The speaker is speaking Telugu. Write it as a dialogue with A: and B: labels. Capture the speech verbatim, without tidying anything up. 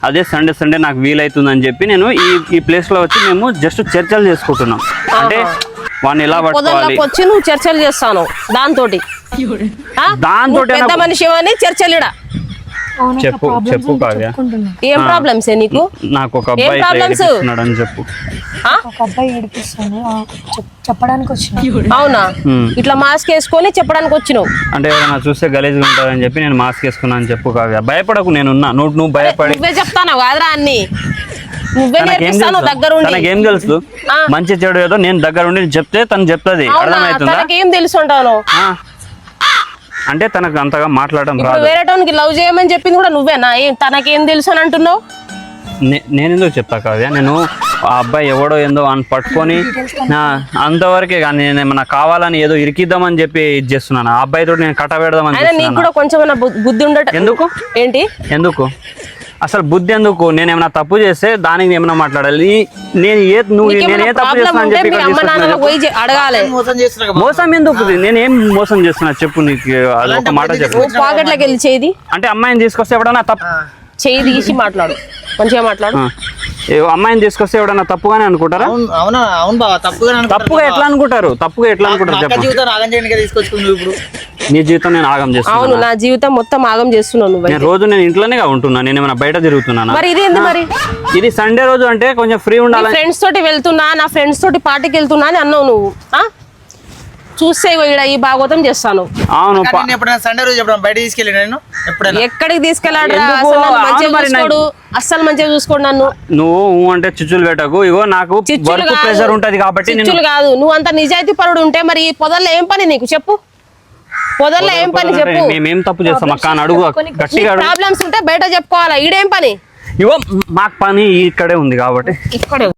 A: అదే సండే సండే నాకు వీలైతుందని చెప్పి నేను ఈ ఈ ప్లేస్ లో వచ్చి మేము జస్ట్ చర్చలు చేసుకుంటున్నాం. అంటే వాడిని ఎలా పట్టుకోవాలి
B: వచ్చి నువ్వు చర్చలు చేస్తాను దాంతో
A: దాంతో
B: పెద్ద మనిషి అని చర్చలు
A: చెప్పు చెప్పు కావ్య
B: ఏం ప్రాబ్లమ్స్ నీకు?
A: నాకు ఒక అబ్బాయి ఏడిపిస్తున్నాడు అని చెప్పు.
C: ఒక అబ్బాయి ఏడిపిస్తాను చెప్పడానికి వచ్చిన.
B: అవునా? ఇట్లా మాస్క్ వేసుకొని చెప్పడానికి వచ్చినావు
A: అంటే ఎవరైనా చూస్తే గలీజ్గా ఉంటారని చెప్పి నేను మాస్క్ వేసుకున్నా అని చెప్పు కావ్య. భయపడకు, నేనున్నా. నువ్వు నువ్వు భయపడి
B: నువ్వే చెప్తాను కాదురా అన్ని నువ్వే నేర్పిస్తాను దగ్గరుండి.
A: తనకేం తెలుసు మంచి చెడు ఏదో నేను దగ్గరుండి చెప్తే తను చెప్తుంది. అర్థమవుతుందా?
B: తనకేం తెలుసు ఉంటాను
A: అంటే తనకు అంతగా మాట్లాడడం రాదు.
B: వేరే టోన్కి లవ్ చేయమని చెప్పింది కూడా నువ్వేనా? ఏం తనకేం తెలుసు అని అంటున్నావు?
A: నేను ఎందుకు చెప్తా కావ్య, నేను ఆ అబ్బాయి ఎవడో ఏందో అని పట్టుకొని అంతవరకే కానీ నేను ఏమన్నా కావాలని ఏదో ఇరికిద్దామని చెప్పి ఇది చేస్తున్నాను. ఆ అబ్బాయితో నేను కట్ట పెడదామని.
B: నీకు కూడా కొంచెం బుద్ధి ఉండట.
A: ఎందుకు
B: ఏంటి ఎందుకు
A: అసలు బుద్ధి ఎందుకు? నేను ఏమైనా తప్పు చేస్తే దానికి ఏమైనా మాట్లాడాలి. నేను ఏ నువ్వు నేను ఏ తప్పు చేస్తున్నా అని చెప్పి
B: అడగాలి.
A: మోసం ఎందుకు? నేనేం మోసం చేస్తున్నా చెప్పు. నీకు అది ఒక మాట చెప్పు.
B: పాకెట్లోకి వెళ్ళి చేయి
A: అంటే అమ్మాయిని తీసుకొస్తే ఎవడన్నా తప్పు
B: చేయి తీసి మాట్లాడు, మంచిగా మాట్లాడు.
A: అమ్మాయిని తీసుకొస్తే ఎవడన్నా తప్పుగానే అనుకుంటారా? తప్పుగా ఎట్లా అనుకుంటారు? తప్పుగా ఎట్లా అనుకుంటారు? నీ జీవితం నేను ఆగం చేస్తున్నా.
B: అవును, నా జీవితం మొత్తం ఆగం చేస్తున్నాను.
A: నేను రోజు నేను ఇంట్లోనే ఉంటున్నా. నేను ఏమైనా బయట తిరుగుతున్నాను.
B: మరి ఇది ఏంది? మరి
A: ఇది సండే రోజు అంటే కొంచెం ఫ్రీ ఉండాలి.
B: ఫ్రెండ్స్ తోటి వెళ్తున్నా, నా ఫ్రెండ్స్ తోటి పార్టీకి వెళ్తున్నా అని అన్నావు నువ్వు. చూస్తే ఇక్కడ ఈ భాగవతం చేస్తాను.
A: అవును,
D: సండే రోజు బయట తీసుకెళ్ళి నేను
B: ఎక్కడికి తీసుకెళ్ళాడు? అస్సలు మంచిగా చూసుకోండి నన్ను.
A: నువ్వు అంటే చిచ్చులు పెట్టకు. ఇగో నాకు వర్క్ ప్రెషర్ ఉంటది కాబట్టి.
B: చిచ్చులు కాదు, నువ్వు అంత నిజాయితీ పరుడు ఉంటే మరి పొదల్లో ఏం పని నీకు? చెప్పు, పొదల్లో ఏం పని చెప్పు.
A: మేమేం తప్పు చేస్తాం అక్క అని అడుగు. గట్టిగా
B: ప్రాబ్లమ్స్ ఉంటే బయట చెప్పుకోవాలా. ఈడేం పని?
A: ఇగో మాకు పని ఇక్కడే ఉంది కాబట్టి
B: ఇక్కడే